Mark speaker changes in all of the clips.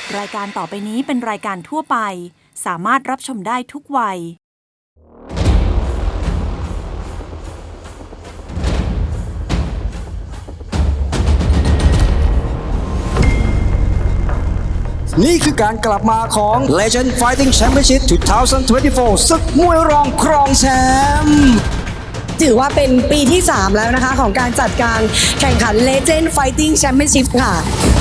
Speaker 1: รายการต่อไปนี้เป็นรายการทั่วไปสามารถรับชมได้ทุกวัย
Speaker 2: นี่คือการกลับมาของ Legend Fighting Championship 2024 ศึกมวยรองครองแชมป์
Speaker 3: ถือว่าเป็นปีที่ 3 แล้วนะคะของการจัดการแข่งขัน Legend Fighting Championship ค่ะ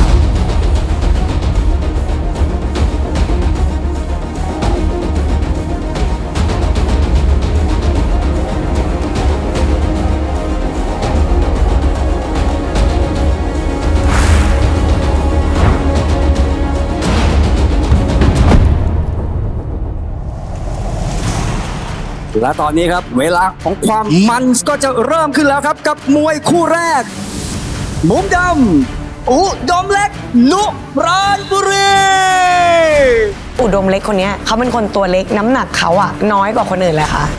Speaker 2: และตอนนี้ครับเวลาของความมันก็จะเริ่มขึ้นแล้วครับกับมวยคู่แรกมุมดำอุดมเล็กนุปราณบุรี
Speaker 3: อุดมเล็กคนนี้เขาเป็นคนตัวเล็กน้ำหนักเขาอะน้อยกว่าคนอื่นเลยค่ะ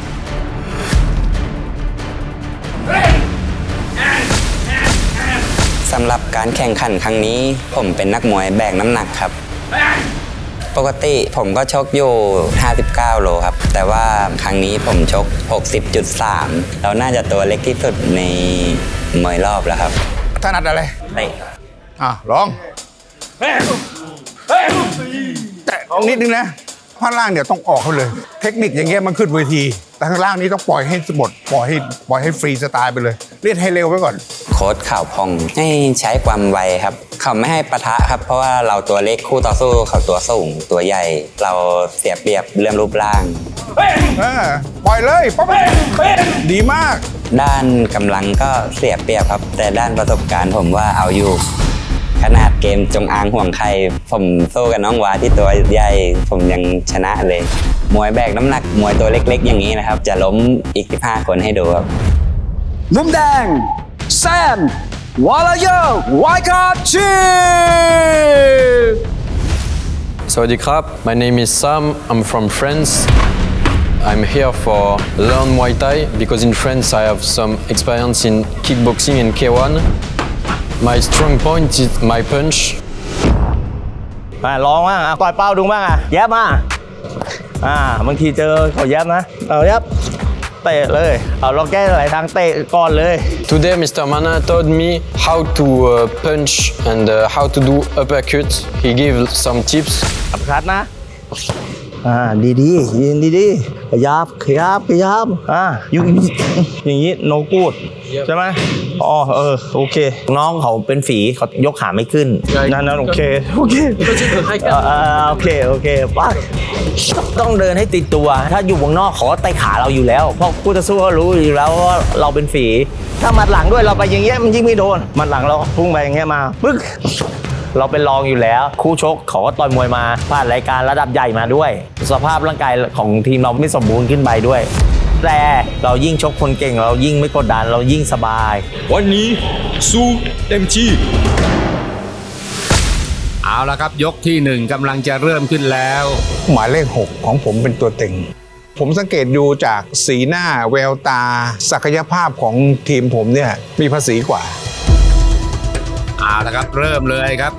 Speaker 4: สำหรับการแข่งขันครั้งนี้ผมเป็นนักมวยแบกน้ำหนักครับปกติผมก็ชกอยู่ 59 โลครับแต่ว่าครั้งนี้ผมชก 60.3 เราน่าจะตัวเล็กที่สุดในมวยรอบแล้วครับ
Speaker 5: ถนัดอะไร
Speaker 4: เตะ
Speaker 5: ลองแตะออกนิดนึงนะข้างล่างเดี๋ยวต้องออกเขาเลย เทคนิคอย่างเงี้ยมันขึ้นเวทีแต่ข้างล่างนี้ต้องปล่อยให้หมดปล่อยให้ฟรีสไตล์ไปเลยเล่นให้เร็วไว้ก่อน
Speaker 4: โค้ชข่าวพองให้ใช้ความไวครับเขาไม่ให้ปะทะครับเพราะว่าเราตัวเล็กคู่ต่อสู้เขาตัวสูงตัวใหญ่เราเสียเปรียบเรื่องรูปร่าง
Speaker 5: ปล่อยเลยป๊อปดีมาก
Speaker 4: ด้านกำลังก็เสียเปรียบครับแต่ด้านประสบการณ์ผมว่าเอาอยู่ขนาดเกมจงอางห่วงใครผมสู้กับน้องวาที่ตัวใหญ่ผมยังชนะเลยมวยแบกน้ำหนักมวยตัวเล็กๆอย่างนี้นะครับจะล้มอีก15คนให้ดูครับ
Speaker 2: มุมแดงแซมวาลาเยอร์ไวการ์ชี
Speaker 6: Sawadee krap, my name is Sam, I'm from France. I'm here for learn Muay Thai because in France I have some experience in kickboxing and K1. My strong point is my punch.
Speaker 7: มาลองบ้างปล่อยเป้าดูบ้างแยบมาบางทีเจอเขาแยบนะแยบเตะเลยเราแก้หลายทางเตะก่อนเลย
Speaker 6: Today Mr. Mana told me how to punch and how to do uppercut. He gave some tips.
Speaker 7: อัพคัดนะดียืนดีขยับอยู่อย่างนี้โนกูดใช่ไหมโอเคน้องเขาเป็นฝีเขายกขาไม่ขึ้นนั่นโอเคป้าต้องเดินให้ติดตัวถ้าอยู่วงนอกเขาก็เตะขาเราอยู่แล้วเพราะคู่ต่อสู้เขารู้อยู่แล้วว่าเราเป็นฝีถ้ามัดหลังด้วยเราไปอย่างเงี้ยมันยิ่งไม่โดนมัดหลังเราพุ่งไปอย่างเงี้ยมาปึ๊กเราเป็นรองอยู่แล้วคู่ชกเขาก็ต่อยมวยมาผ่านรายการระดับใหญ่มาด้วยสภาพร่างกายของทีมเราไม่สมบูรณ์ขึ้นไปด้วยแต่เรายิ่งชกคนเก่งเรายิ่งไม่กดดันเรายิ่งสบาย
Speaker 8: วันนี้สู้เต็มที่
Speaker 5: เอาละครับยกที่1กำลังจะเริ่มขึ้นแล้วหมายเลข6ของผมเป็นตัวเต็งผมสังเกตดูจากสีหน้าแววตาศักยภาพของทีมผมเนี่ยมีภาษีกว่าเอาละครับเริ่มเลยครับ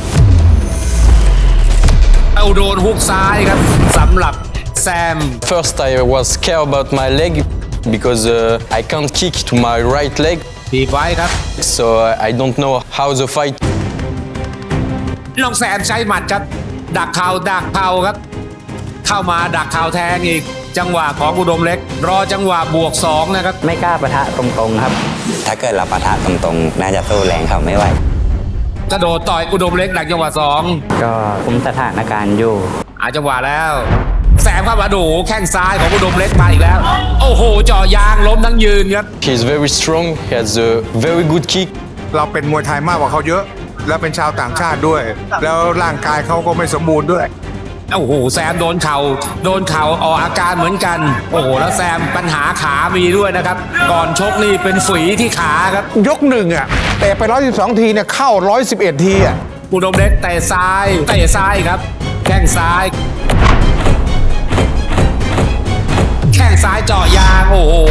Speaker 5: เอาโดนฮุกซ้ายครับสำหรับแซม
Speaker 6: First I was scared about my leg because I can't kick to my right leg.
Speaker 5: ทีไว้ครับ
Speaker 6: So I don't know how the fight.
Speaker 5: น้องแซมใช้หมัดครับดักเข่าครับเข้ามาดักเข่าแทงอีกจังหวะของอุดมเล็กรอจังหวะบวก2นะครับ
Speaker 4: ไม่กล้าปะทะตรงๆครับถ้าเกิดเราปะทะตรงๆน่าจะสู้แรงเขาไม่ไหว
Speaker 5: กระโดดต่อยอุดมเล็กดักจังหวะ2
Speaker 4: ก็คุมสถานการณ์อยู่
Speaker 5: จังหวะแล้วแซมเข้ามาดูแข้งซ้ายของอุดมเล็กมาอีกแล้วโอ้โหเจาะยางล้มทั้งยืนครับ
Speaker 6: He is very strong. He has a very good kick.
Speaker 5: เราเป็นมวยไทยมากกว่าเขาเยอะแล้วเป็นชาวต่างชาติด้วยแล้วร่างกายเขาก็ไม่สมบูรณ์ด้วยโอ้โหแซมโดนเข่าออกอาการเหมือนกันโอ้โหแล้วแซมปัญหาขามีด้วยนะครับก่อนชกนี่เป็นฝีที่ขาครับยก1แต่ไป112ทีเนี่ยเข้า111ทีอุดมเล็กเตะซ้ายครับแข้งซ้ายเจาะยางโอ้โห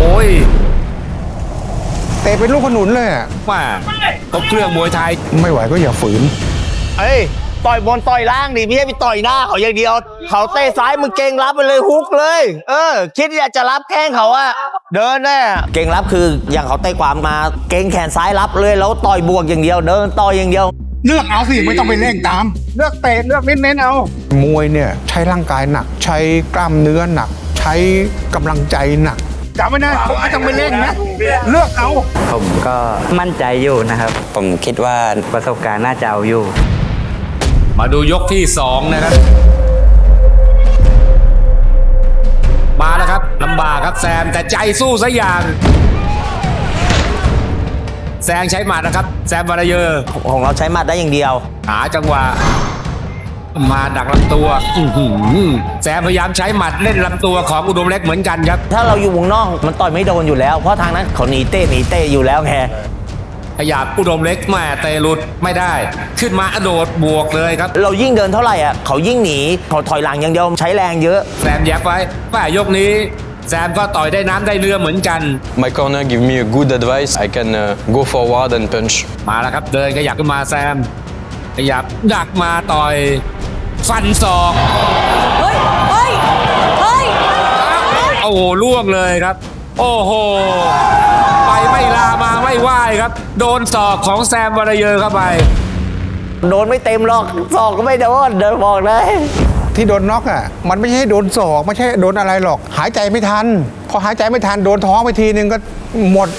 Speaker 5: เตะเป็นลูกขนุนเลยว่าครบเครื่องมวยไทยไม่ไหวก็อย่าฝืน
Speaker 7: ต่อยบนต่อยล่างดิไม่ใช่ไปต่อยหน้าเขาอย่างเดียว เขาเตะซ้ายมึงเก่งรับไปเลยฮุกเลย คิดอยากจะรับแข้งเขาอะเดินแน่เก่งรับคืออย่างเขาเตะขวามาเก่งแขนซ้ายรับเลยแล้วต่อยบวกอย่างเดียวเดินต่อยอย่างเดียว
Speaker 5: เลือกเอาสิไม่ต้องไปเร่งตาม เลือกเตะเลือกเน้นๆเอา มวยเนี่ยใช้ร่างกายหนัก ใช้กล้ามเนื้อหนัก ใช้กำลังใจหนักจำไว้นะไม่ต้องไปเร่งนะเลือกเอา
Speaker 4: ผมก็มั่นใจอยู่นะครับ ผมคิดว่าประสบการณ์น่าจะเอาอยู่
Speaker 5: มาดูยกที่ 2 นะครับ มาแล้วครับลำบากครับแซมแต่ใจสู้ซะอย่าง แซงใช้หมัดนะครับ แซมวารเยอร์
Speaker 7: ของเราใช้หมัดได้อย่างเดียว
Speaker 5: หาจังหวะมาดักลำตัวแซมพยายามใช้หมัดเล่นลำตัวของอุดมเล็กเหมือนกันครับ
Speaker 7: ถ้าเราอยู่วงนอกมันต่อยไม่โดนอยู่แล้ว เพราะทางนั้นเขาหนีเต้อยู่แล้วไง
Speaker 5: ขยับอุดมเล็กแม่เตะหลุดไม่ได้ ขึ้นมาอโดดบวกเลยครับ
Speaker 7: เรายิ่งเดินเท่าไหร่อ่ะเขายิ่งหนีเขาถอยหลังอย่างเดียวใช้แรงเยอะ
Speaker 5: แซมแยบไว้ป้ายกนี้แซมก็ต่อยได้น้ำได้เรือเหมือนกัน
Speaker 6: My corner give me a good advice. I can go forward and punch.
Speaker 5: มาแล้วครับเดินขยับขึ้นมาแซมขยับดักมาต่อยฟันศอก
Speaker 1: เฮ้ย เฮ้ย เฮ้ย
Speaker 5: โอ้โหล่วงเลยครับ โอ้โหไปไม่ลามาไม่ไหวครับ โดนศอกของแซมวารเยอร์เข้าไป
Speaker 7: โดนไม่เต็มหรอกศอกก็ไม่โดนเดินบอกเลย
Speaker 9: ที่โดนน็อกอ่ะมันไม่ใช่โดนศอกไม่ใช่โดนอะไรหรอก หายใจไม่ทัน พอหายใจไม่ทันโดนท้องไปทีนึงก็หมด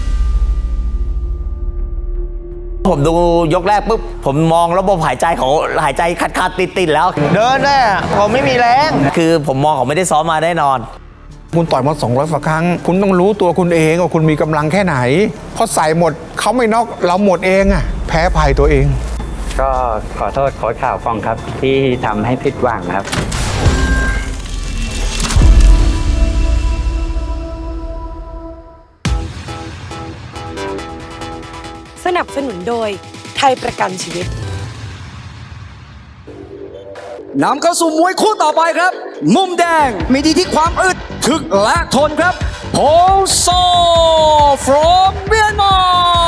Speaker 7: ผมดูยกแรกปุ๊บผมมองระบบหายใจเขาหายใจขาดติดแล้ว เดินแน่เขาไม่มีแรงคือผมมองเขาไม่ได้ซ้อมมาแน่นอน
Speaker 9: คุณต่อยมา200กว่าครั้ง คุณต้องรู้ตัวคุณเองว่าคุณมีกำลังแค่ไหนพอใส่หมดเขาไม่น็อกเราหมดเองอ่ะแพ้ภัยตัวเอง
Speaker 4: ก็ขอโทษโค้ชข่าวฟองครับ ที่ทำให้ผิดหวังครับ
Speaker 3: สนับสนุนโดยไทยประกันชีวิต
Speaker 2: นำเข้าสู่มวยคู่ต่อไปครับ มุมแดงมีดีที่ความอึดถึกและทนครับโพโซ from Myanmar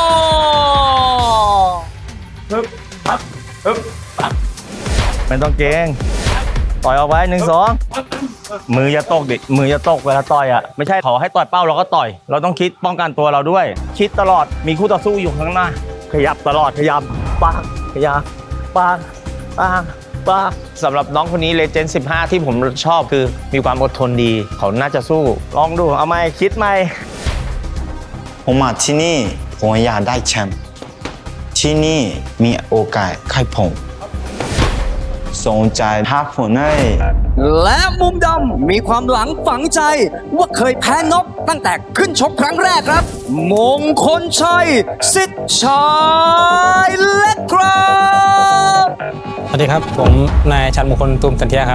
Speaker 7: ไม่ต้องเกรงต่อยออกไป1-2 มืออย่าตกดิมืออย่าตกเวลาต่อยอ่ะไม่ใช่ขอให้ต่อยเป้าเราก็ต่อย เราต้องคิดป้องกันตัวเราด้วย คิดตลอดมีคู่ต่อสู้อยู่ข้างหน้า ขยับตลอดขยับปังขยับปังสำหรับน้องคนนี้เลเจนด์15 ที่ผมชอบคือมีความอดทนดี เขาน่าจะสู้ลองดูเอาไหมคิดไหม
Speaker 10: ผมมาที่นี่ผมอยากได้แชมป์ที่นี่มีโอกาสให้ผมสนใจถ้าผมได้
Speaker 2: และมุมดำมีความหลังฝังใจว่าเคยแพ้น็อกตั้งแต่ขึ้นชกครั้งแรกครับ มงคลชัยสิทธิ์ชายเล็กครับ
Speaker 11: สวัสดีครับ ผมนายชันมงคลตูมสันเทียครับ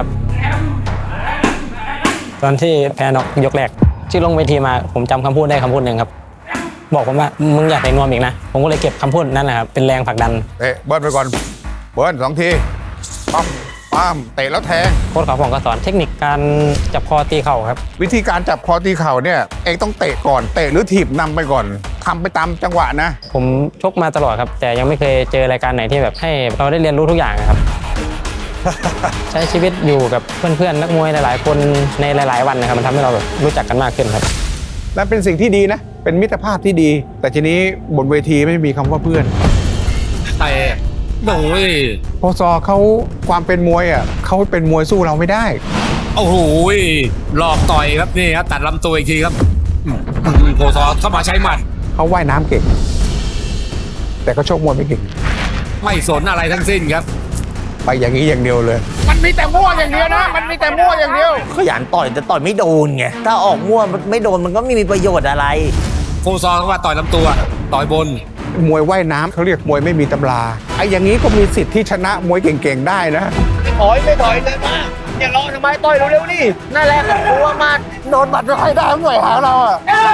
Speaker 11: ตอนที่แพ้น็อกยกแรกที่ลงเวทีมาผมจำคำพูดได้คำพูดหนึ่งครับ บอกผมว่ามึงอยากแต่งนวมอีกนะ ผมก็เลยเก็บคำพูดนั้นนะครับเป็นแรงผลักดัน
Speaker 9: เตะเบิ้ลไปก่อนเบิ้ล2 ทีปั๊มปั๊มเตะแล้วแทง
Speaker 11: โค้ชเขาผมก็สอนเทคนิคการจับคอตีเข่าครับ
Speaker 9: วิธีการจับคอตีเข่าเนี่ยเองต้องเตะก่อนเตะหรือถีบนำไปก่อนทำไปตามจังหวะนะ
Speaker 11: ผมชกมาตลอดครับ แต่ยังไม่เคยเจอรายการไหนที่แบบให้เราได้เรียนรู้ทุกอย่างครับ ใช้ชีวิตอยู่กับเพื่อนๆนักมวยหลายๆ คนในหลายๆวันนะครับมันทำให้เราแบบรู้จักกันมากขึ้นครับ
Speaker 9: และเป็นสิ่งที่ดีนะเป็นมิตรภาพที่ดี แต่ทีนี้บนเวทีไม่มีคำว่าเพื่อน
Speaker 5: แต่โอ้ย
Speaker 9: โพซอเขาความเป็นมวยอ่ะเขาเป็นมวยสู้เราไม่ได้
Speaker 5: โอ้โหหลอกต่อยครับนี่ครับตัดลำตัวอีกทีครับโพซอเข้ามาใช้หมัด
Speaker 9: เขาว่ายน้ำเก่ง แต่เขาชกมวยไม่เก่ง
Speaker 5: ไม่สนอะไรทั้งสิ้นครับ
Speaker 9: ไปอย่างนี้อย่างเดียวเลย
Speaker 5: มันมีแต่มั่วอย่างเดียวนะมันมีแต่มั่วอย่างเดียว
Speaker 7: ขยันต่อยแต่ต่อยไม่โดนไงถ้าออกมั่วไม่โดนมันก็ไม่มีประโยชน์อะไร
Speaker 5: โพซอเข้ามาต่อยลำตัวต่อยบน
Speaker 9: มวยว่ายน้ำเขาเรียกมวยไม่มีตำราไอ้อย่างนี้ก็มีสิทธิ์ที่ชนะมวยเก่งๆได้นะ
Speaker 7: ถอยไม่ถอยเลยมาอย่ารอทำไมต่อยเร็วๆนี่นั่นแหละกลัวมาโดนบัตรใครได้หน่วยหาเราอ่ะ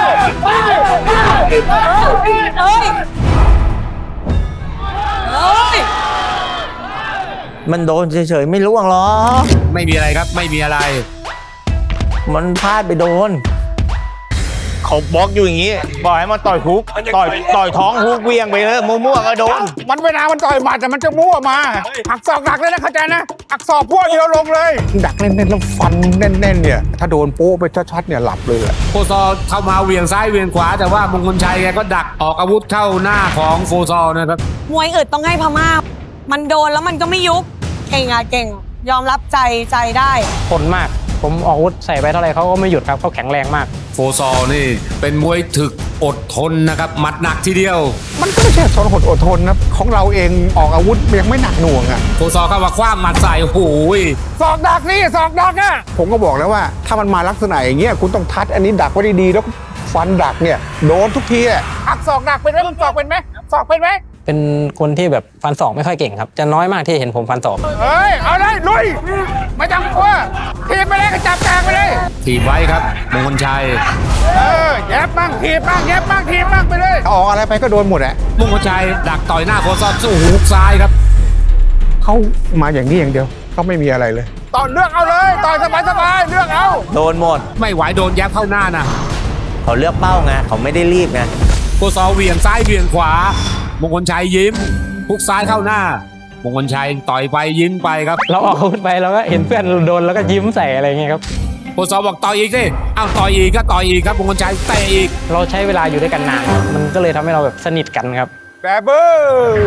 Speaker 7: มันโดนเฉยๆไม่ล่วงหรอก
Speaker 5: ไม่มีอะไรครับไม่มีอะไร
Speaker 7: มันพลาดไปโดนเขาบล็อกอยู่อย่างนี้บอกให้มันต่อยฮุกต่อยท้องฮุกเวียงไปเลยมั่วๆก็โดน
Speaker 9: มันเวลามันต่อยหมัดแต่มันจะมั่วมาหักศอกดักเลยนะเข้าใจนะหักศอกพวกเดียวลงเลย ดักแน่นๆแล้วฟันแน่นๆเนี่ยถ้าโดนโป๊ะไปชัดๆเนี่ยหลับเลยอะ
Speaker 5: โฟซอลเข้ามาเหวี่ยงซ้ายเหวี่ยงขวา แต่ว่ามงคลชัยแกก็ดักออกอาวุธเข้าหน้าของโฟซอลนะครับ
Speaker 3: มวยอื่นต้องให้พม่า มันโดนแล้วมันก็ไม่ยุบเก่งอะเก่ง ยอมรับใจได้
Speaker 11: ทนมาก ผมออกอาวุธใส่ไปเท่าไหร่เขาก็ไม่หยุดครับเขาแข็งแรงมาก
Speaker 5: โฟซอลนี่เป็นมวยถึกอดทนนะครับหมัดหนักทีเดียว
Speaker 9: มันก็ไม่ใช่ทนอดทนนะของเราเองออกอาวุธยังไม่หนักหน่วงอะ
Speaker 5: โฟซอลเข้ามาคว้างหมัดใส่โอ้โห
Speaker 9: ศอกดักนี่ศอกดักอะผมก็บอกแล้วว่าถ้ามันมาลักษณะอย่างเงี้ยคุณต้องทัดอันนี้ดักไว้ดีๆแล้วฟันดักเนี่ยโดนทุกทีอะหักศอกดักเป็นไหมมึงศอกเป็นไหมศอกเป็นไหม
Speaker 11: เป็นคนที่แบบฟันศอกไม่ค่อยเก่งครับ จะน้อยมากที่เห็นผมฟันศอก
Speaker 9: เฮ้ยเอาเลยลุยไม่ต้องกลัวทีบไปเลยก็จับกลางไปเลย
Speaker 5: ถีบไว้ครับมงคลชัย
Speaker 9: แยบบ้างทีบบ้างแยบบ้างทีบบ้างไปเลยออกอะไรไปก็โดนหมดแหละ
Speaker 5: มงคลชัยดักต่อยหน้าโฟซอลสู้ฮุกซ้ายครับ
Speaker 9: เขามาอย่างนี้อย่างเดียวเขาไม่มีอะไรเลยต่อเลือกเอาเลยต่อยสบายๆเลือกเอา
Speaker 7: โดนหมด
Speaker 5: ไม่ไหวโดนแยบเข้าหน้านะ
Speaker 7: เขาเลือกเป้าไงเขาไม่ได้รีบไง
Speaker 5: โฟซอลเหวี่ยงซ้ายเหวี่ยงขวามงคลชัยยิ้มฮุกซ้ายเข้าหน้ามงคลชัยต่อยไปยิ้มไปครับ
Speaker 11: เราออกอาวุธไปเราก็เห็นเพื่อนโดนแล้วก็ยิ้มใส่อะไรเงี้ยครับ
Speaker 5: โฟซอลบอกต่อยอีกสิอ้าวต่อยอีกก็ต่อยอีกครับมงคลชัยเตะอีก
Speaker 11: เราใช้เวลาอยู่ด้วยกันนานครับมันก็เลยทำให้เราแบบสนิทกันครับ
Speaker 9: แบบเบอร์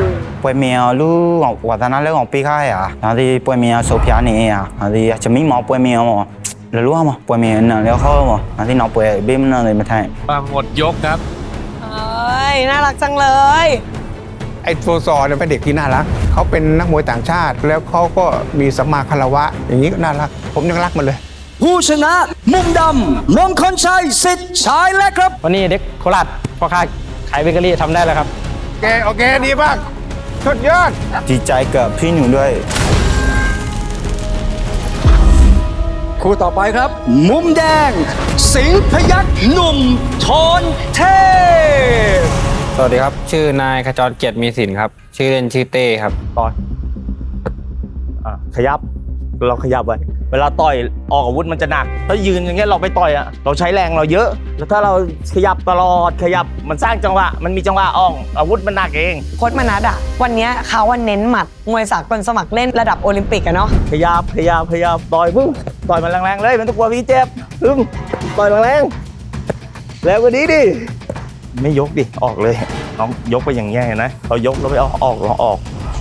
Speaker 10: ပွဲမြောင်လူဝါသနာလဲကောင်ပေးခိုင်းရဒါဒီပွဲမြောင်ဆိုဖျားနေရဒါဒီချမီမောပွဲမြောင်လလူအောင်ပွဲမြောင်နလဲခေါ်မဒါဒီနောက်ပွဲဘေးမနเลยမထိုင်
Speaker 5: หมดยกครับ
Speaker 3: เอ้ย น่ารักจังเลย
Speaker 9: ไอ้โฟซอเนี่ยเป็นเด็กที่น่ารักเขาเป็นนักมวยต่างชาติ แล้วเขาก็มีสัมมาคารวะ อย่างนี้ก็น่ารักผมยังรักมันเลย
Speaker 2: ผู้ชนะมุมดำมงคลชัยสิทธิ์ชายและครับ
Speaker 11: วันนี้เด็กโคราชพ่อค้าขายเบเกอรี่ทำได้แล้วครับ
Speaker 9: โอเคดีมากสุดยอด
Speaker 10: ดีใจกับพี่หนูด้วย
Speaker 2: คู่ต่อไปครับ มุมแดง สิงห์พยัคฆ์หนุ่มทนเทพ
Speaker 6: สวัสดีครับ ชื่อนายขจรเกียรติมีสินครับ ชื่อเล่นชื่อเต้ครับ
Speaker 7: ต่อยขยับเราขยับไว้เวลาต่อยออกอาวุธมันจะหนักถ้ายืนอย่างเงี้ยเราไปต่อยอะเราใช้แรงเราเยอะ แล้วถ้าเราขยับตลอดขยับมันสร้างจังหวะมันมีจังหวะออกอาวุธมันหนักเอง
Speaker 3: โค้ชมนัสอะวันเนี้ยเขาว่าเน้นหมัดมวยสากลสมัครเล่นระดับโอลิมปิกอะเนาะ
Speaker 7: ขยับต่อยต่อยมันแรงๆเลยมันต้องกลัวพี่เจ็บต่อยแรงๆแล้วก็ดีดิไม่ยกดิออกเลยน้องยกไปอย่างเงี้ยเห็นไหมเรายกแล้วไปออก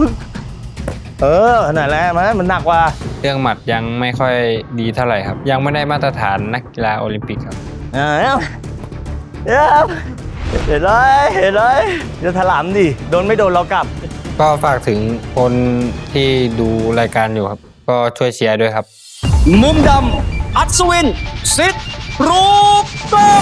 Speaker 7: นั่นแหละมันหนักกว่า
Speaker 6: เรื่องหมัดยังไม่ค่อยดีเท่าไหร่ครับ ยังไม่ได้มาตรฐานนักกีฬาโอลิมปิกครับ
Speaker 7: เห็นเลยจะถลำดิโดนไม่โดนเรากลับ
Speaker 6: ก็ฝากถึงคนที่ดูรายการอยู่ครับ ก็ช่วยเชียร์ด้วยครับ
Speaker 2: มุมดำอัศวินสิทธิ์รูปต้อง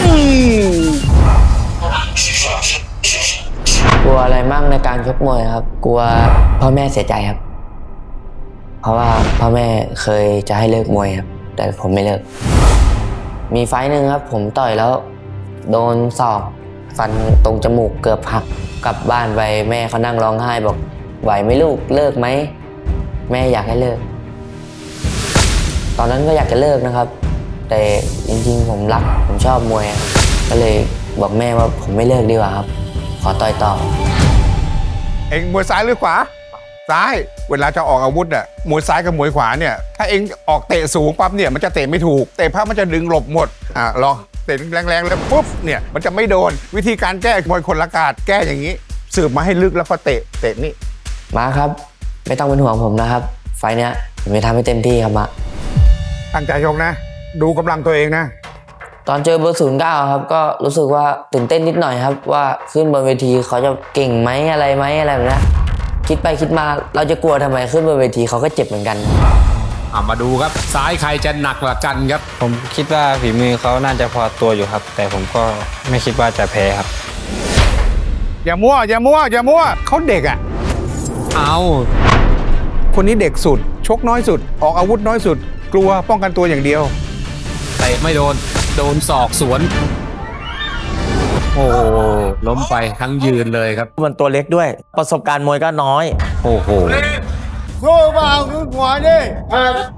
Speaker 12: กลัวอะไรมั่งในการชกมวยครับ กลัวพ่อแม่เสียใจครับ เพราะว่าพ่อแม่เคยจะให้เลิกมวยครับ แต่ผมไม่เลิก มีไฟต์หนึ่งครับ ผมต่อยแล้วโดนศอกฟันตรงจมูกเกือบหักกลับบ้านไปแม่เขานั่งร้องไห้บอกไหวไหมลูกเลิกไหมแม่อยากให้เลิก ตอนนั้นก็อยากจะเลิกนะครับ แต่จริงๆผมรักผมชอบมวยก็เลยบอกแม่ว่าผมไม่เลิกดีกว่าครับขอต่อยต่อ
Speaker 9: เอ็งมวยซ้ายหรือขวาซ้ายเวลาจะออกอาวุธอ่ะมวยซ้ายกับมวยขวาเนี่ยถ้าเอ็งออกเตะสูงปั๊บเนี่ยมันจะเตะไม่ถูกเตะพับมันจะดึงหลบหมดลองเตะแรงๆแล้วปุ๊บเนี่ยมันจะไม่โดนวิธีการแก้มวยคนละกาดแก้อย่างนี้สืบมาให้ลึกแล้วก็เตะนี่
Speaker 12: มาครับไม่ต้องเป็นห่วงผมนะครับไฟล์เนี้ยผมจะทำให้เต็มที่ครับมา
Speaker 9: ตั้งใจชกนะ ดูกำลังตัวเองนะ
Speaker 12: ตอนเจอเบอร์09ครับก็รู้สึกว่าตื่นเต้นนิดหน่อยครับว่าขึ้นบนเวทีเขาจะเก่งไหมอะไรแบบนี้คิดไปคิดมาเราจะกลัวทำไมขึ้นบนเวทีเขาก็เจ็บเหมือนกัน
Speaker 5: มาดูครับซ้ายใครจะหนักกว่ากันครับ
Speaker 6: ผมคิดว่าฝีมือเขาน่าจะพอตัวอยู่ครับ แต่ผมก็ไม่คิดว่าจะแพ้ครับ
Speaker 9: อย่ามั่วเขาเด็กอ่ะ
Speaker 5: เอา
Speaker 9: คนนี้เด็กสุดชกน้อยสุดออกอาวุธน้อยสุดกลัวป้องกันตัวอย่างเดียว
Speaker 5: เตะไม่โดนศอกสวน โอ้ล้มไปทั้งยืนเลยครับ
Speaker 7: มันตัวเล็กด้วย ประสบการณ์มวยก็น้อย
Speaker 5: โอ้โห
Speaker 9: สู้เปล่าคือขวาดิ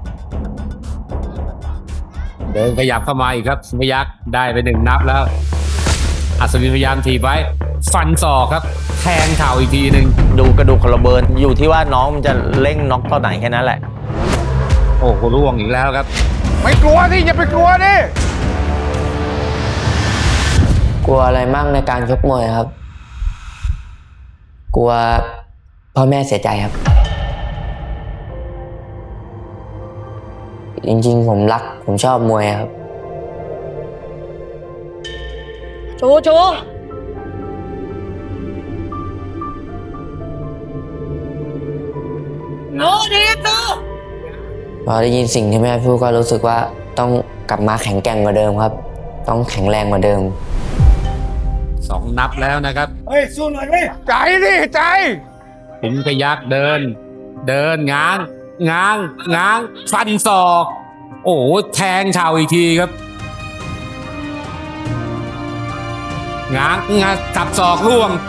Speaker 5: เดินขยับเข้ามาอีกครับสิงห์พยัคฆ์ได้ไป1 นับแล้วอัศวินพยายามถีบไว้ ฟันศอกครับ แทงเข่าอีกทีหนึ่ง
Speaker 7: ดูกระดูกคนละเบิร์นอยู่ที่ว่าน้องมันจะเร่งน็อกตอนไหนแค่นั้นแหละ
Speaker 5: โอ้โหร่วงอีกแล้วครับ
Speaker 9: ไม่กลัวที่อย่าไปกลัวดิ
Speaker 12: กลัวอะไรมั่งในการชกมวยครับ กลัวพ่อแม่เสียใจครับ จริงๆผมชอบมวยครับ
Speaker 3: ชูโน้ดีตู
Speaker 12: พอได้ยินสิ่งที่แม่พูดก็รู้สึกว่าต้องกลับมาแข็งแกร่งกว่าเดิมครับ ต้องแข็งแรงกว่าเดิม
Speaker 5: 2 นับแล้วนะครับ
Speaker 9: เฮ้ย สู้หน่อยดิใจดิใจ
Speaker 5: สิงห์พยัคฆ์เดินง้างฟันศอก โอ้โหแทงเข่าอีกทีครับง้างสับศอกร่วง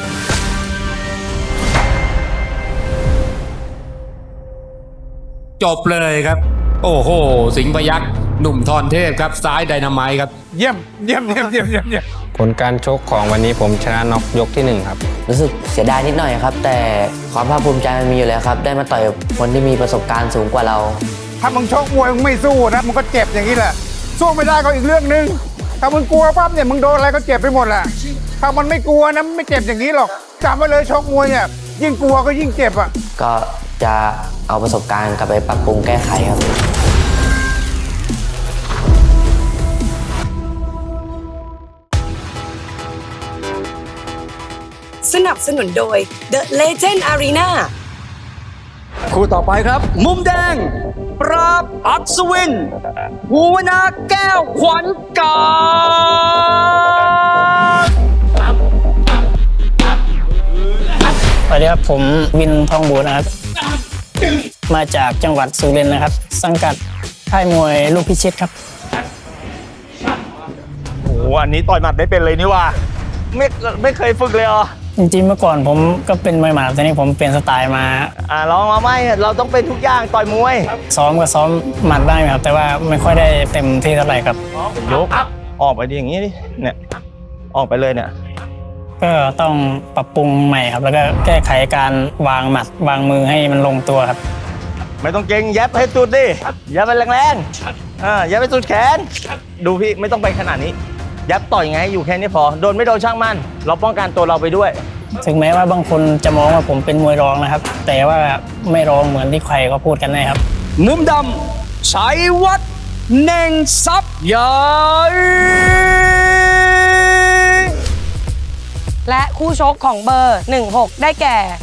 Speaker 5: จบเลยครับ โอ้โห สิงห์พยัคฆ์หนุ่มทรเทพครับ ซ้ายไดนาไมต์ครับ
Speaker 9: เยี่ยม
Speaker 6: ผลการชกของวันนี้ผมชนะน็อกยกที่ 1 ครับ
Speaker 12: รู้สึกเสียดายนิดหน่อยครับ แต่ความภาคภูมิใจมันมีอยู่แล้วครับ ได้มาต่อยกับคนที่มีประสบการณ์สูงกว่าเรา
Speaker 9: ถ้ามึงชกมวยมึงไม่สู้นะมึงก็เจ็บอย่างนี้แหละ สู้ไม่ได้ก็อีกเรื่องนึง ถ้ามึงกลัวปั๊บเนี่ยมึงโดนอะไรก็เจ็บไปหมดแหละถ้ามันไม่กลัวนะมันไม่เจ็บอย่างนี้หรอกจำไว้เลยชกมวยเนี่ยยิ่งกลัวก็ยิ่งเจ็บอ่ะ
Speaker 12: ก็จะเอาประสบการณ์กลับไปปรับปรุงแก้ไขครับ
Speaker 3: สนับสนุนโดย The Legend Arena
Speaker 2: คู่ต่อไปครับ มุมแดง ปราบอัศวินภูวนาแก้วขวัญกา
Speaker 11: สวัสดีครับผมวินทองบูนะครับ มาจากจังหวัดสุรินทร์นะครับ สังกัดค่ายมวยลูกพิชิตครับ
Speaker 7: โอ้โหอันนี้ต่อยหมัดไม่เป็นเลยนี่ว่าไม่เคยฝึกเลยเหรอ
Speaker 11: จริงๆเมื่อก่อนผมก็เป็นมวยหมัดแต่นี้ผมเปลี่ยนสไตล์มา
Speaker 7: ลองมาไม่เราต้องเป็นทุกอย่างต่อยมวย
Speaker 11: ซ้อมก็ซ้อมหมัดได้ครับ แต่ว่าไม่ค่อยได้เต็มที่เท่าไหร่ครับ
Speaker 7: ยกออกไปดิอย่างนี้ดิเนี่ยออกไปเลยเนี่ย
Speaker 11: ก็ต้องปรับปรุงใหม่ครับ แล้วก็แก้ไขการวางหมัดวางมือให้มันลงตัวครับ
Speaker 7: ไม่ต้องเก่งยับให้สุดดิยับไปแรงๆยับไปสุดแขน ดูพี่ไม่ต้องไปขนาดนี้ ยับต่อยไงอยู่แค่นี้พอโดนไม่โดนช่างมันเราป้องกันตัวเราไปด้วย
Speaker 11: ถึงแม้ว่าบางคนจะมองว่าผมเป็นมวยรองนะครับ แต่ว่าไม่รองเหมือนที่ใครเขาพูดกันนะครับ
Speaker 2: มุมดำชัยวัฒน์เน่งทรัพย์ใหญ่
Speaker 3: และคู่ชกของเบอร์ 16 ได้แก่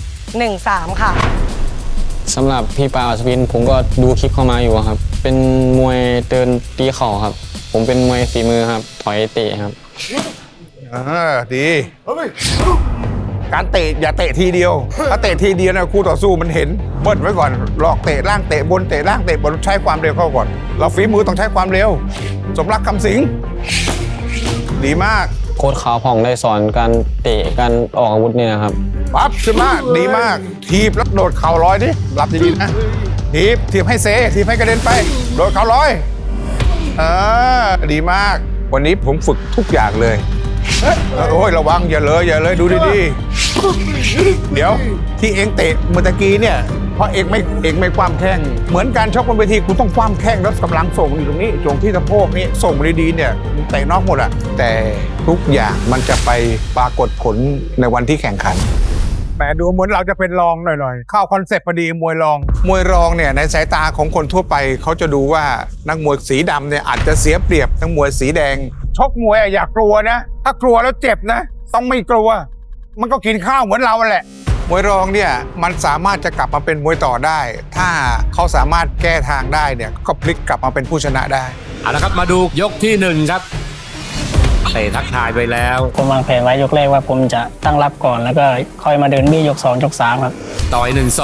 Speaker 3: 13 ค่ะ
Speaker 6: สำหรับพี่ปาอัศวินผมก็ดูคลิปเข้ามาอยู่ครับ เป็นมวยเดินตีเข่าครับ ผมเป็นมวยฝีมือครับ ถอยเตะครับ
Speaker 9: ดี การเตะอย่าเตะทีเดียว ถ้าเตะทีเดียวนะคู่ต่อสู้มันเห็นเบิ้ลไว้ก่อนหลอกเตะล่างเตะบนเตะล่างเตะบนใช้ความเร็วเข้าก่อน เราฝีมือต้องใช้ความเร็ว สมรักคำสิงดีมาก
Speaker 6: โค้ชขาวผ่องได้สอนการเตะการออกอาวุธเนี่ยนะครับ
Speaker 9: ปั๊บขึ้นมาดีมาก ทีบแล้วโดดเข่าลอยดิรับดีๆนะทีบให้เซทีบให้กระเด็นไป โดดเข่าลอยดีมาก วันนี้ผมฝึกทุกอย่างเลยโอ้ยระวังอย่าเลยดูดีๆเดี๋ยวที่เองเตะเมื่อตะกี้เนี่ยเพราะเองไม่คว่ำแข้งเหมือนการชกบนเวทีคุณต้องคว่ำแข้งแล้วกำลังส่งอยู่ตรงนี้ตรงที่สะโพกนี่ส่งดีๆเนี่ยเตะนอกหมดอะแต่ทุกอย่างมันจะไปปรากฏผลในวันที่แข่งขันแหมดูเหมือนเราจะเป็นรองหน่อยๆเข้าคอนเซ็ปต์พอดีมวยรองเนี่ยในสายตาของคนทั่วไปเขาจะดูว่านักมวยสีดำเนี่ยอาจจะเสียเปรียบนักมวยสีแดงชกมวยอย่ากลัวนะถ้ากลัวแล้วเจ็บนะต้องไม่กลัวมันก็กินข้าวเหมือนเราแหละมวยรองเนี่ยมันสามารถจะกลับมาเป็นมวยต่อได้ ถ้าเขาสามารถแก้ทางได้เนี่ยก็พลิกกลับมาเป็นผู้ชนะได้
Speaker 5: เอาละครับมาดูยกที่ 1 ครับเตะทักทายไปแล้ว
Speaker 11: ผมวางแผนไว้ยกแรกว่าผมจะตั้งรับก่อนแล้วก็ค่อยมาเดินบี้ยก 2 ยก 3 ครับ
Speaker 5: ต่อย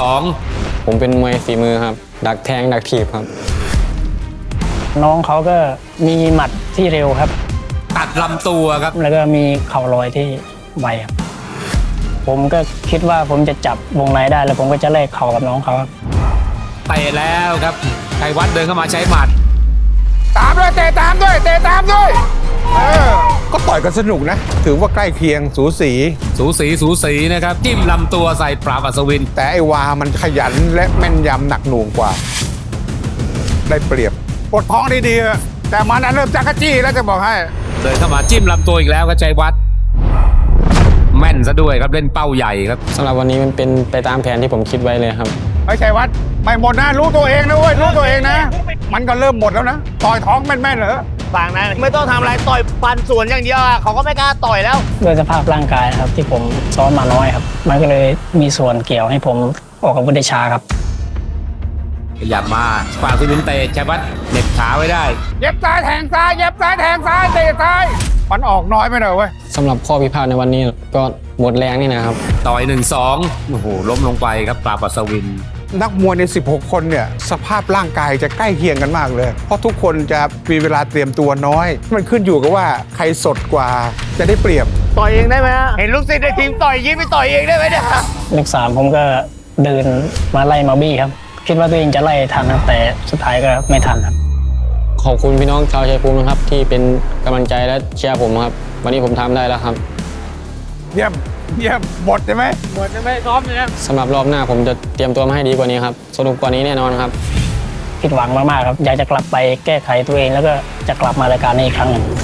Speaker 5: 1-2
Speaker 6: ผมเป็นมวยฝีมือครับ ดักแทงดักถีบครับ
Speaker 11: น้องเขาก็มีหมัดที่เร็วครับ
Speaker 5: ตัดลำตัวครับ
Speaker 11: แล้วก็มีเข่าลอยที่ไวครับผมก็คิดว่าผมจะจับวงในได้แล้วผมก็จะแลกเข่ากับน้องเขาครับ
Speaker 5: เตะแล้วครับชัยวัฒน์เดินเข้ามาใช้หมัด
Speaker 9: ตามด้วยเตะตามด้วยก็ต่อยกันสนุกนะ ถือว่าใกล้เคียงสูสี
Speaker 5: สูสีนะครับจิ้มลำตัวใส่ปราบอัศวิน
Speaker 9: แต่ไอ้วามันขยันและแม่นยำหนักหน่วงกว่า ได้เปรียบปวดท้องดีๆแต่มันเริ่มจักรจี้แล้วจะบอกให้
Speaker 5: เดินเข้ามาจิ้มลำตัวอีกแล้วครับชัยวัฒน์แม่นซะด้วยครับเล่นเป้าใหญ่ครับ
Speaker 11: สำหรับวันนี้มันเป็นไปตามแผนที่ผมคิดไว้เลยครับ
Speaker 9: ไม่ใช่วัดไม่หมดนะรู้ตัวเองนะเว้ยรู้ตัวเองนะ มันก็เริ่มหมดแล้วนะต่อยท้องแม่นๆเหรอ
Speaker 7: ต่างนั้นไม่ต้องทำอะไรต่อยปันสวนอย่างเดียวอะเขาก็ไม่กล้าต่อยแล้ว
Speaker 13: ด้วยสภาพร่างกายครับที่ผมซ้อมมาน้อยครับ มันก็เลยมีส่วนเกี่ยวให้ผมออกอาวุธได้ช้าครับ
Speaker 5: ขยับมาปราบอัศวินเตะชัยวัฒน์เหน็บขาไว้ได้
Speaker 9: เย็บซ้ายแทงซ้ายเย็บซ้ายแทงซ้ายเตะซ้ายมันออกน้อยไปหน่อยเว้ย
Speaker 11: สำหรับข้อพิพาทในวันนี้ก็หมดแรงนี่นะครับ
Speaker 5: ต่อย 1-2โอ้โหล้มลงไปครับปราบอัศวิน
Speaker 9: นักมวยใน 16 คนเนี่ยสภาพร่างกายจะใกล้เคียงกันมากเลย เพราะทุกคนจะมีเวลาเตรียมตัวน้อย มันขึ้นอยู่กับว่าใครสดกว่าจะได้เปรียบ
Speaker 7: ต่อยเองได้ไหมฮะเห็นลูกศิษย์ในทีมต่อยยิ้มไปต่อยเองได้ไหมเนี่ย
Speaker 13: เลข3ผมก็เดินมาไล่มาบี้ครับ คิดว่าตัวเองจะไล่ทันครับแต่สุดท้ายก็ไม่ทันครับ
Speaker 11: ขอบคุณพี่น้องชาวชัยภูมินะครับที่เป็นกำลังใจและเชียร์ผมครับ วันนี้ผมทำได้แล้วครับ
Speaker 9: เยี่ยมหมดใช่ไหมหมดใช่ไหมซ้อมเลยนะ
Speaker 11: สำหรับรอบหน้าผมจะเตรียมตัวมาให้ดีกว่านี้ครับสนุกกว่านี้แน่นอนครับ
Speaker 13: ผิดหวังมากๆครับ อยากจะกลับไปแก้ไขตัวเองแล้วก็จะกลับมารายการนี้อีกครั้งหนึ่ง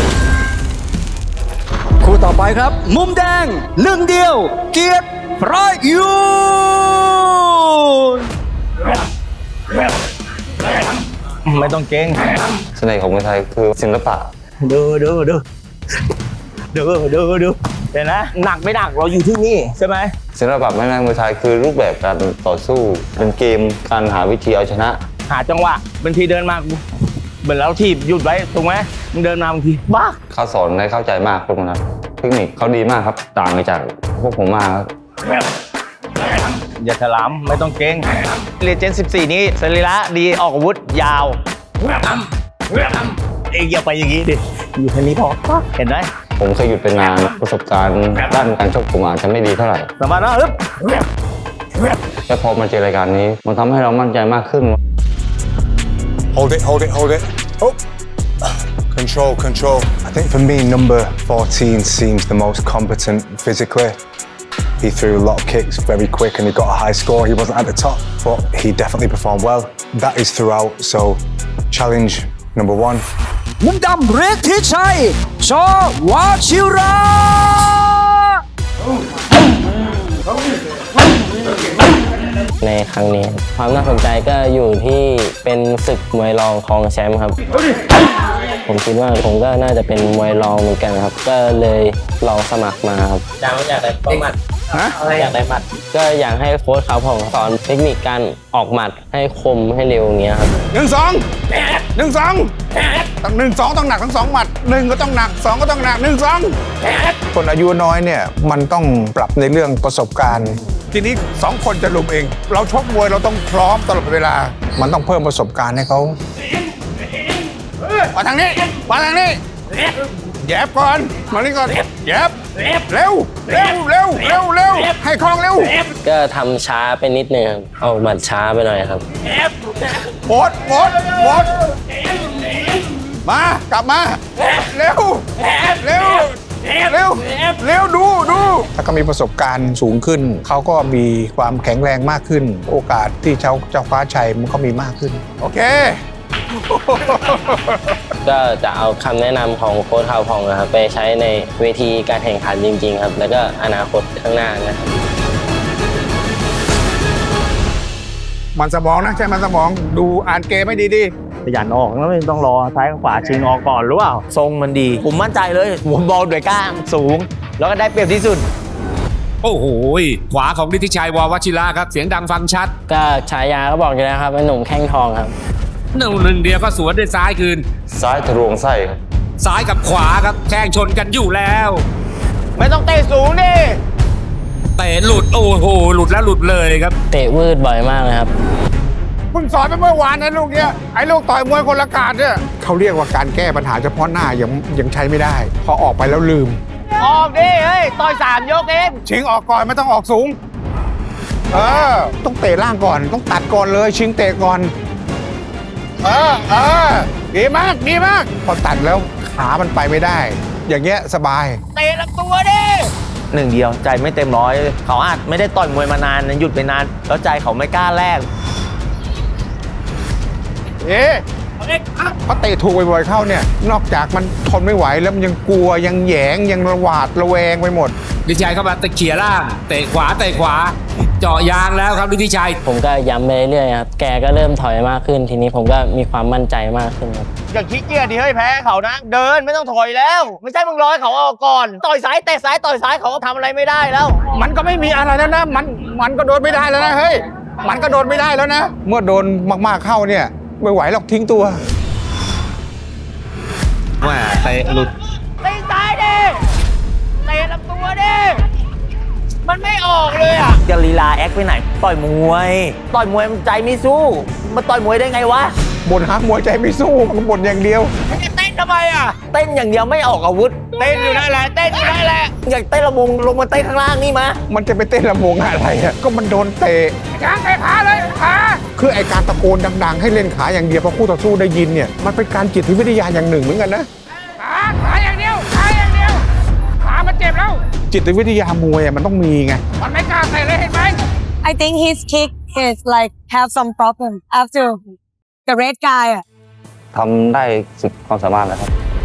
Speaker 2: คู่ต่อไปครับ มุมแดงหนึ่งเดียว เกียรติประยูน
Speaker 7: ไม่ต้องเก่ง
Speaker 4: เสน่ห์ของมวยไทยคือศิลปะ
Speaker 7: ดูเห็นไหมหนักไม่หนักเราอยู่ที่นี่ใช่ไหม
Speaker 4: ศิลปะแม่ไม้มวยไทยคือรูปแบบการต่อสู้เป็นเกมการหาวิธีเอาชนะ
Speaker 7: หาจังหวะบางทีเดินมาเหมือนเราทีบหยุดไว้ถูกไหมมึงเดินมาบางทีบ้า
Speaker 4: เขาสอนได้เข้าใจมากพวกนั้นเทคนิคเขาดีมากครับต่างจากพวกผมมากครับ
Speaker 7: อย่าถลำไม่ต้องเก่งเรียนเจน 14 นี้สรีระดีออกอาวุธยาวเองอย่าไปอย่างนี้ดิอยู่แค่นี้พอเห็นไหม
Speaker 4: ผมเคยหยุดไปนานประสบการณ์ด้านการชกผมอาจจะไม่ดีเท่าไหร่
Speaker 7: สามารถนะฮึบ
Speaker 4: แต่พอมาเจอรายการนี้มันทำให้เรามั่นใจมากขึ้น
Speaker 10: Hold it. Oh. Control. I think for me, number 14 seems the most competent physically. He threw a lot of kicks very quick and he got a high score. He wasn't at the top, but he definitely performed well. That is throughout, so challenge number 1.
Speaker 2: มุมดำฤทธิชัย ช.วชิระ
Speaker 12: ในครั้งนี้ความน่าสนใจก็อยู่ที่เป็นศึกมวยรองครองแชมป์ครับ ผมคิดว่าผมก็น่าจะเป็นมวยรองเหมือนกันครับ ก็เลยลองสมัครมาครับอยากได้หมัดอยากได้หมัดก็อยากให้โค้ชเขาผมสอนเทคนิคการออกหมัดให้คมให้เร็วอย่างเงี้ยครับ
Speaker 9: 1-2 ต้อง1-2ต้องหนักทั้ง2หมัด1ก็ต้องหนัก2ก็ต้องหนัก1-2คนอายุน้อยเนี่ยมันต้องปรับในเรื่องประสบการณ์ทีนี้2คนจะลุมเองเราชกมวยเราต้องพร้อมตลอดเวลามันต้องเพิ่มประสบการณ์ให้เขามาทางนี้แยบก่อนมานี่ก่อนแยบเร็วให้คล่องเร็ว
Speaker 12: ก็ทำช้าไปนิดนึงครับเอาหมัดช้าไปหน่อยครับ
Speaker 9: หมดมากลับมาเร็วดูถ้าเขามีประสบการณ์สูงขึ้นเขาก็มีความแข็งแรงมากขึ้นโอกาสที่จะคว้าชัยมันก็มีมากขึ้นโอเค
Speaker 12: ก็จะเอาคำแนะนำของโค้ชข่าวพองนะครับไปใช้ในเวทีการแข่งขันจริงๆครับแล้วก็อนาคตข้างหน้านะครับ
Speaker 9: มันสมองนะใช่มันสมองดูอ่านเกมไม่ดี
Speaker 7: ขยันออกแล้วไม่ต้องรอซ้ายกับขวาชิงออกก่อนหรือเปล่าทรงมันดี ผมมั่นใจเลยผมบอลด้วยก้างสูง แล้วก็ได้เปรียบที่สุด
Speaker 5: โอ้โหขวาของฤทธิชัยววชิระครับเสียงดังฟังชัด
Speaker 12: ก็ฉายาก็บอกอยู่แล้วครับเป็นหนุ่มแข้งทองครับ
Speaker 5: หนึ่งเดียวก็สวนด้วยซ้ายคืน
Speaker 4: ซ้ายทะลวงไส้ครับ
Speaker 5: ซ้ายกับขวาครับแข่งชนกันอยู่แล้ว
Speaker 7: ไม่ต้องเตะสูงดิ
Speaker 5: เตะหลุดโอ้โหหลุดแล้วหลุดเลยครับ
Speaker 12: เตะวืดบ่อยมากเลยครับ
Speaker 9: ๆคุณสอนไปเมื่อวานนะลูกเนี่ยไอ้ลูกต่อยมวยคนละกาดเนี่ยเขาเรียกว่าการแก้ปัญหาเฉพาะหน้ายังใช้ไม่ได้พอออกไปแล้วลืม
Speaker 7: ออกดิเฮ้ยต่อย3 ยกเอง
Speaker 9: ชิงออกก่อนไม่ต้องออกสูงต้องเตะล่างก่อนต้องตัดก่อนเลยชิงเตะก่อนดีมากพอตัดแล้วขขามันไปไม่ได้ อย่างเงี้ยสบาย
Speaker 7: เตะลำตัวดิหนึ่งเดียวใจไม่เต็มร้อยเขาอาจไม่ได้ต่อยมวยมานานหยุดไปนานแล้วใจเขาไม่กล้าแลก
Speaker 9: เพราะเตะถูกบ่อยๆเข้าเนี่ย นอกจากมันทนไม่ไหวแล้วมันยังกลัวยังแหยงยังระหวาดระแวงไปหมด
Speaker 5: ฤทธิชัยเข้ามาตะเขี่ยล่างเตะขวาเจาะยางแล้วครับฤทธิชัย
Speaker 11: ผมก็ย้ำไปเรื่อยๆครับ แกก็เริ่มถอยมากขึ้น ทีนี้ผมก็มีความมั่นใจมากขึ้นครับ
Speaker 7: อย่าขี้เกียจดิเฮ้ยแพ้เขานะ เดินไม่ต้องถอยแล้ว ไม่ใช่มึงรอให้เขาออกก่อน ต่อยซ้ายเตะซ้ายต่อยซ้ายเขาก็ทำอะไรไม่ได้แล้ว
Speaker 9: มันก็ไม่มีอะไรแล้วนะมันก็โดนไม่ได้แล้วนะเฮ้ยมันก็โดนไม่ได้แล้วนะ เมื่อโดนมากๆเข้าเนี่ยไม่ไหวหรอกทิ้งตัว
Speaker 5: ว่าเตะหลุด
Speaker 7: เตะซ้ายดิเตะลำตัวดิมันไม่ออกเลยอ่ะจะลีลาแอคไปไหนต่อยมวยมันใจไม่สู้มาต่อยมวยได้ไงวะ
Speaker 9: บ่นหามวยใจไม่สู้มันบ่นอย่างเดียว
Speaker 7: มันจะเต้นทำไมอ่ะเต้นอย่างเดียวไม่ออกอาวุธเต้นอยู่นั่นแหละเต้นอยู่นั่นแหละอยากเต้นระมงลงมาเต้นข้างล่างนี่มา
Speaker 9: มันจะไปเต้นระมงอะไรอ่ะก็มันโดนเตะ
Speaker 7: ช้างเตะขาเลยขา
Speaker 9: คือไอการตะโกนดังๆให้เล่นขาอย่างเดียวเพราะคู่ต่อสู้ได้ยินเนี่ยมันเป็นการจิตวิทยาอย่างหนึ่งเหมือนกันนะ
Speaker 7: ขาอย่างเดียวขามันเจ็บแล้ว
Speaker 9: จิตวิทยามวยมันต้องมีไง
Speaker 7: มันไม่กล้าใส่เลยเห็นไหม
Speaker 3: I think his kick is like have some problem after the red guy อ่ะ
Speaker 4: ทำได้สุดความสามารถแล้วครับ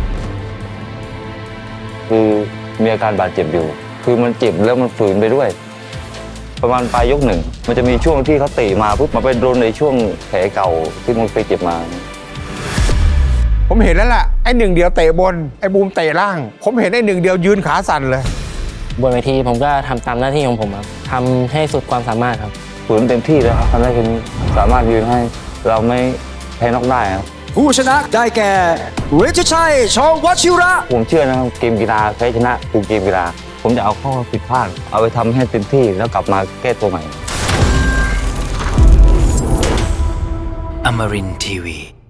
Speaker 4: คือมีอาการบาดเจ็บอยู่ คือมันเจ็บแล้วมันฝืนไปด้วย ประมาณปลายยกหนึ่งมันจะมีช่วงที่เขาเตะมาปุ๊บมาไปโดนในช่วงแผลเก่าที่มันไปเจ็บมา
Speaker 9: ผมเห็นแล้วล่ะไอ้หนึ่งเดียวเตะบนไอ้บูมเตะล่าง ผมเห็นไอ้หนึ่งเดียวยืนขาสั่นเลย
Speaker 11: บนเวทีผมก็ทำตามหน้าที่ของผมครับทำให้สุดความสามารถครับ
Speaker 4: ฝืนเต็มที่แล้วครับทำได้แค่นี้สามารถยืนให้เราไม่แพ้นอกได้ครับ
Speaker 2: ผู้ชนะได้แก่ฤทธิชัย ชอวชิระ
Speaker 4: ผมเชื่อนะครับเกมกีฬาแพ้ชนะคือเกมกีฬาผมจะเอาข้อผิดพลาดเอาไปทำให้เต็มที่แล้วกลับมาแก้ตัวใหม่
Speaker 14: Amarin Tiwi